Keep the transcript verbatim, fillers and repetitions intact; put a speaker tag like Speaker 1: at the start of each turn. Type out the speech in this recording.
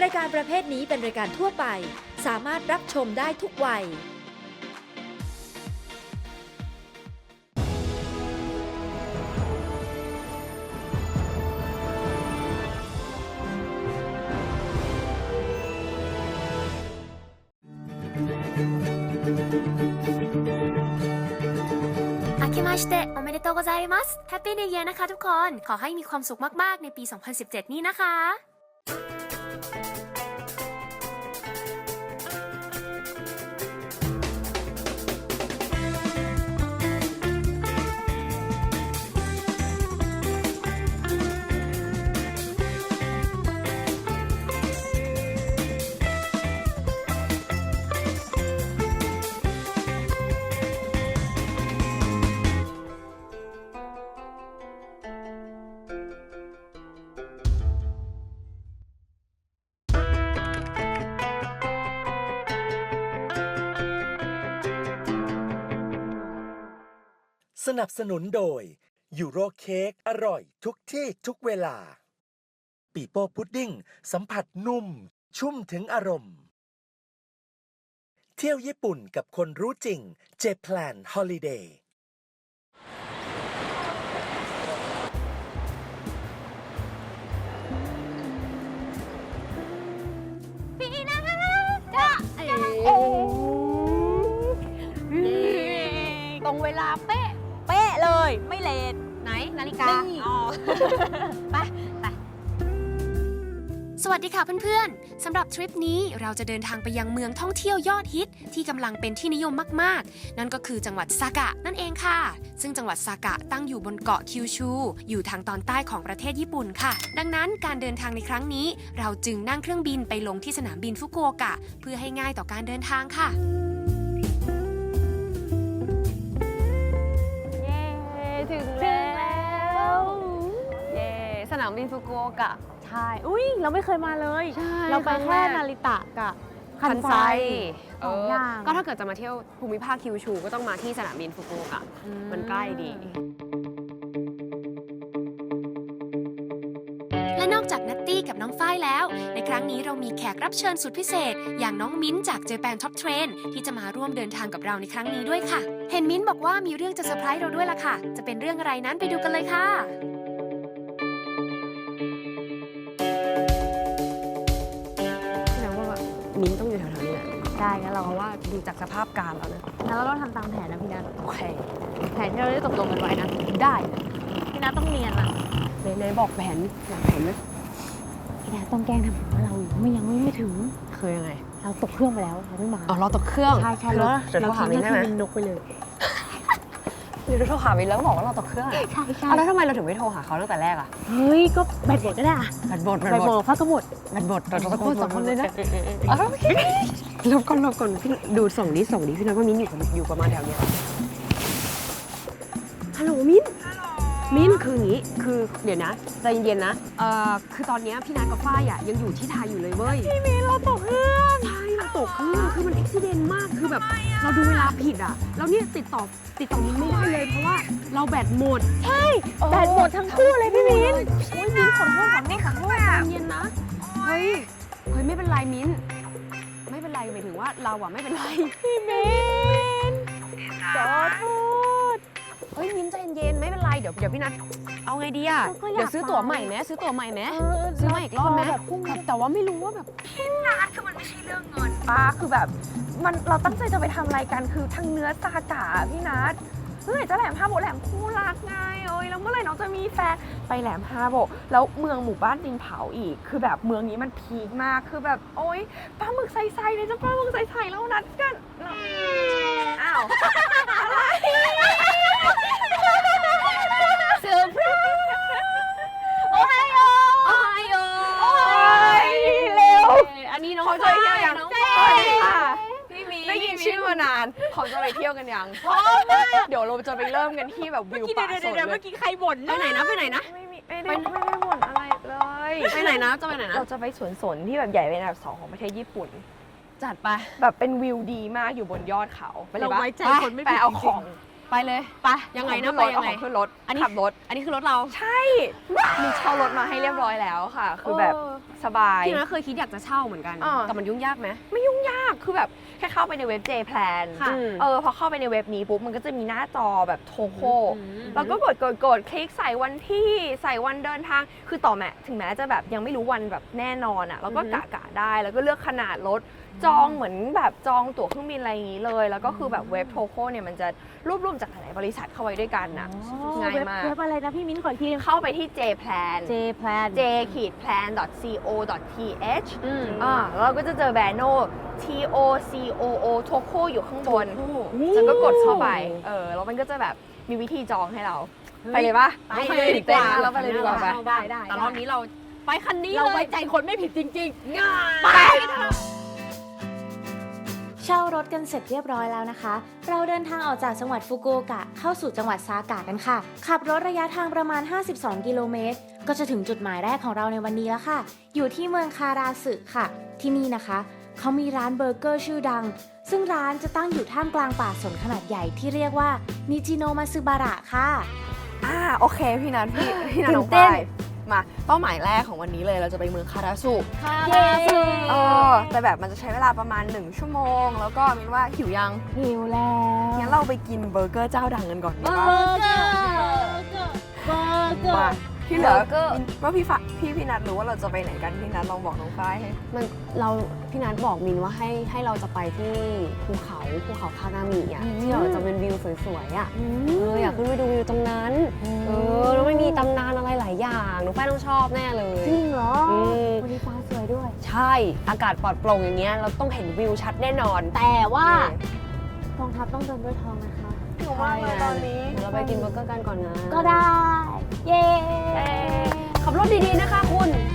Speaker 1: รายการประเภทนี้เป็นรายการทั่วไปสามารถรับชมได้ทุกวัย
Speaker 2: 明けましておめでとうございます Happy New Year นะคะทุกคน ขอให้มีความสุขมากๆในปี สองพันสิบเจ็ด นี้นะคะ
Speaker 3: สนับสนุนโดยยูโรเค้กอร่อยทุกที่ทุกเวลาปีโป้พุดดิ้งสัมผัสนุ่มชุ่มถึงอารมณ์เที่ยวญี่ปุ่นกับคนรู้จริงเจแพลนฮอลิเดย์
Speaker 4: ปีนะจ้าโอ้ตรงเวลาเป๊ะเป๊ะเลยไม่เลทไหนนาฬิกาอ๋อไปไป
Speaker 2: สวัสดีค่ะเพื่อนๆ สำหรับทริปนี้เราจะเดินทางไปยังเมืองท่องเที่ยวยอดฮิตที่กำลังเป็นที่นิยมมากๆ นั่นก็คือจังหวัดซากะนั่นเองค่ะ ซึ่งจังหวัดซากะตั้งอยู่บนเกาะคิวชูอยู่ทางตอนใต้ของประเทศญี่ปุ่นค่ะ ดังนั้นการเดินทางในครั้งนี้เราจึงนั่งเครื่องบินไปลงที่สนามบินฟุกุโอกะเพื่อให้ง่ายต่อการเดินทางค่ะ
Speaker 4: เย้ถึงแล้วเย้สนามบินฟุกุโอกะใช่อุ้ยเราไม่เคยมาเลยเราไปแค่นาริตะกับคันไซสองอย่าง
Speaker 5: ก็ถ้าเกิดจะมาเที่ยวภูมิภาคคิวชูก็ต้องมาที่สนามบินฟุกุโอกะมันใกล้ดี
Speaker 2: และนอกจากนัตตี้กับน้องฝ้ายแล้วในครั้งนี้เรามีแขกรับเชิญสุดพิเศษอย่างน้องมิ้นจาก Japan Top Train ที่จะมาร่วมเดินทางกับเราในครั้งนี้ด้วยค่ะเห็นมิ้นบอกว่ามีเรื่องจะเซอร์ไพรส์เราด้วยล่ะค่ะจะเป็นเรื่องอะไรนั้นไปดูกันเลยค่ะ
Speaker 5: มิ้นต้องอยู่แถวๆนี้แหละ
Speaker 4: ได้งั้นเรา
Speaker 5: เพราะว่าดูจากสภาพการแล้วนะ
Speaker 4: งั้นเราต้องทำตามแผนนะพี่นัท
Speaker 5: โอเค
Speaker 4: แผนที่เราได้ตกลงกันไว้นะได้พี่นัทต้องเนียนนะ
Speaker 5: ไหนๆบอกแผนบอกแผนไหม
Speaker 4: พี่นัทต้องแกล้งทำเหมือนว่าเราไม่ยังไม่ไม่ถึง
Speaker 5: คือยังไง
Speaker 4: เราตกเครื่องไปแล้วเราไม่มา
Speaker 5: อ๋อเราตกเครื่อง
Speaker 4: ใช่ใช่
Speaker 5: แล้วเดี๋ยวโทรหามิ้นได้ไหม
Speaker 4: บินนกไปเลย
Speaker 5: เดี๋ยวโทรหามิ้นแล้วก็บอกว่าเราตกเครื่อง
Speaker 4: ใช่ใช่
Speaker 5: เอาแล้วทำไมเราถึงไม่โทรหาเขาตั้งแต่แรกอะ
Speaker 4: เฮ้ยก็แบตหมดก็ได้อะ
Speaker 5: แบตหมดแบ
Speaker 4: แบ
Speaker 5: ต
Speaker 4: ต
Speaker 5: ห
Speaker 4: ห
Speaker 5: ม
Speaker 4: ม
Speaker 5: ด
Speaker 4: ดพักก็หมด
Speaker 5: แบตหมดเราจะ
Speaker 4: เราพูดสองคนเลยนะ
Speaker 5: เอาแล้วลบก่อนลบก่อนพี่ดูส่งดิส่งดิพี่นัทว่ามิ้นอยู่อยู่ประมาณแถวเนี้ยฮัลโหลมิ้นมิ้นคืออย่างงี้คือเดี๋ยวนะใจเย็นๆนะเอ่อคือตอนเนี้ยพี่นัทกับฝ้ายอะยังอยู่ที่ไทยอยู่เลยเว้ยพี่มิ้นเราตกเครื่องใช่เราตกเครื่องคือมันอุบิเหตุมากคือแบบเราดูเวลาผิดอะแล้วเนี่ยติดต่อติดต่อมิ้นไม่ได้เลยเพราะว่าเราแบตหมดใช่
Speaker 4: แบตหมดทั้งคู่เลยพี่มิ้น
Speaker 5: โอ้ยมิ้นขอโทษขอโทษขอโทษใจเย็นนะเฮ้ยเฮ้ยไม่เป็นไรมิ้นไม่เป็นไรหมายถึงว่าเราอะไม่เป็นไรพี่มิ้นขอโทษเฮ้ยมิ้นใจเย็นๆไม่เป็นไรเดี๋ยวเดี๋ยวพี่นัทเอาไงดีอะเดี๋ยวซื้อตั๋วใหม่ไหมซื้อตั๋วใหม่ไหมซื้อใหม่อีกรอบไหมแต่ว่าไม่รู้ว่าแบบ
Speaker 6: ป้าคือแบบมันเราตั้งใจจะไปทำอะไรกันคือทางเนื้อซากะพี่นัทเมื่อไหร่จะแหลมฮาโบะแหลมคู่รักไงโอ้ยแล้วเมื่อไหร่น้องจะมีแฟนไปแหลมฮาโบะแล้วเมืองหมู่บ้านดินเผาอีกคือแบบเมืองนี้มันพีคมากคือแบบโอ๊ยปลาหมึกใสๆเลยจ้ะปลาหมึกใสๆแล้วนัดกันอ้าวอะไรเซอร์ไพรส์โอ้ยโอ้ยโอ้ยเร็ว
Speaker 5: อันนี้น้อง
Speaker 6: เขาจะไปเที่ยวยัง
Speaker 5: น้อง
Speaker 6: สวัสดีค่ะ
Speaker 5: พี่มี
Speaker 6: ได้ยินชื่อมานานเขาจะไปเที่ยวกันยังเดี๋ยวเราจะไปเริ่มกันที่แบบวิวป่าสดเลย
Speaker 5: เมื่อกี้ใครบ่นไปไหนนะไปไหนนะ
Speaker 6: ไม่มีไม่ได้ไม่ได้บ่นอะไรเลย
Speaker 5: ไปไหนนะจะไปไหนนะ
Speaker 6: เราจะไปสวนสนที่แบบใหญ่เป็นอันดับสองของประเทศญี่ปุ่น
Speaker 5: จัดไป
Speaker 6: แบบเป็นวิวดีมากอยู่บนยอดเขาไปเลย
Speaker 5: เรา
Speaker 6: ปะ
Speaker 5: ไว้ใจคนไม่
Speaker 6: ไป
Speaker 5: ผิด
Speaker 6: เอา
Speaker 5: จริงๆ
Speaker 6: ของไป
Speaker 5: ไปเลย
Speaker 4: ไป
Speaker 5: ยังไง
Speaker 6: เอา
Speaker 5: นะ
Speaker 6: ขึ้
Speaker 5: ไป
Speaker 6: รถ
Speaker 5: ยังไง
Speaker 6: เอาขึ้นรถ
Speaker 5: อันนี้
Speaker 6: ขับรถ
Speaker 5: อันนี้คือรถเรา
Speaker 6: ใช่ มีเช่ารถมาให้เรียบร้อยแล้วค่ะ คือแบบสบาย
Speaker 5: พี่นะเคยคิดอยากจะเช่าเหมือนกัน
Speaker 6: อ่า
Speaker 5: แต่มันยุ่งยากไหม
Speaker 6: ไม่ยุ่งยาก คือแบบแค่เข้าไปในเว็บ J Plan
Speaker 5: ค่ะ
Speaker 6: เออพอเข้าไปในเว็บนี้ปุ๊บมันก็จะมีหน้าจอแบบโทโค
Speaker 5: อืม
Speaker 6: แล้วก็กดกดกดคลิกใส่วันที่ใส่วันเดินทาง คือต่อแม้ถึงแม้จะแบบยังไม่รู้วันแบบแน่นอนอ่ะเราก็กะกะได้ แล้วก็เลือกขนาดรถ จองเหมือนแบบจองตั๋วเครื่องบินอะไรอย่างนี้เลย แล้วก็คือแบบเว็บโทโคเนี่ยมันจะรวบรวมจากหลายบริษัทเข้าไว้ด้วยกันนะง่ายมาก
Speaker 4: เว็บอะไรนะพี่มิ้นขออีกที
Speaker 6: เข้าไปที่ J Plan
Speaker 4: J Plan
Speaker 6: j plan co th
Speaker 5: อืม
Speaker 6: อ่าแล้วเราก็จะเจอแบรนด์โน T O C O O โทโคอยู่ข้างบน
Speaker 4: นี่
Speaker 6: แล้วก็กดเข้าไป เออ แล้วมันก็จะแบบมีวิธีจองให้เรา ไปเลยปะ
Speaker 5: ไปเลยดีกว่า
Speaker 6: แล้วไปเลยดีกว่าไป
Speaker 4: ได้ได้
Speaker 5: แต่รอบนี้เราไปคันนี้
Speaker 4: เรา
Speaker 5: เล
Speaker 4: ไว้
Speaker 5: ย
Speaker 4: ใจคนไม่ผิดจริงๆง่าย
Speaker 6: ไป
Speaker 7: เช่ารถกันเสร็จเรียบร้อยแล้วนะคะ เราเดินทางออกจากจังหวัดฟุกุโอกะเข้าสู่จังหวัดซากะกันค่ะ ขับรถระยะทางประมาณ ห้าสิบสอง กิโลเมตร ก็จะถึงจุดหมายแรกของเราในวันนี้แล้วค่ะ อยู่ที่เมืองคาราสึค่ะ ที่นี่นะคะ เขามีร้านเบอร์เกอร์ชื่อดัง ซึ่งร้านจะตั้งอยู่ท่ามกลางป่าสนขนาดใหญ่ที่เรียกว่านิจิโนมาซึบาระค่ะ
Speaker 6: อ่า โอเค พี่นัทพี่พี่นัท
Speaker 4: ตื่
Speaker 6: น้
Speaker 4: น
Speaker 6: อง
Speaker 4: เต้
Speaker 6: ฝ้าน ยมา เป้าหมายแรกของวันนี้เลยเราจะไปเมืองคาราสุ
Speaker 4: เย้
Speaker 6: เออ แต่แบบมันจะใช้เวลาประมาณหนึ่งชั่วโมง แล้วก็มินว่าหิวยัง
Speaker 4: หิวแล้ว
Speaker 6: งั้นเราไปกินเบอร์เกอร์เจ้าดังกันก่อนดี
Speaker 4: เบอ
Speaker 6: ปะ
Speaker 4: ร์เกอร์เบอร์เกอ
Speaker 6: มา
Speaker 4: ร์
Speaker 6: ที่เหลือ
Speaker 5: เบอร์เกอร์
Speaker 6: มินว่าพี่ฟ้าพี่พี่นัทรู้ว่าเราจะไปไหนกันพี่นัทลองบอกน้องฝ้ายให้
Speaker 5: มันเราพี่นัทบอกมินว่าให้ให้เราจะไปที่ภูเขาภูเขาคานามิอ่ะที่เราจะเป็นวิวสวยๆอ่ะเอออยากขึ้นไปดูวิวตรงนั้นเออแล้วไม่มีตำนานอะไรหลายอย่างหนูแป้งต้องชอบแน่เลย
Speaker 4: จริงเหรอ
Speaker 5: อืม
Speaker 4: วันนี้ฟ้าสวยด้วย
Speaker 5: ใช่อากาศปลอดโปร่งอย่างเงี้ยเราต้องเห็นวิวชัดแน่นอน
Speaker 4: แต่ว่ากองทัพต้องเดินด้วยท้องนะคะ
Speaker 6: หิวมากเลยตอนนี้
Speaker 5: เดี๋ยวเราไปกินเบอร์เกอร์กันก่อนนะ
Speaker 4: ก็ได้ เย้
Speaker 5: ขับรถดีๆนะคะคุณ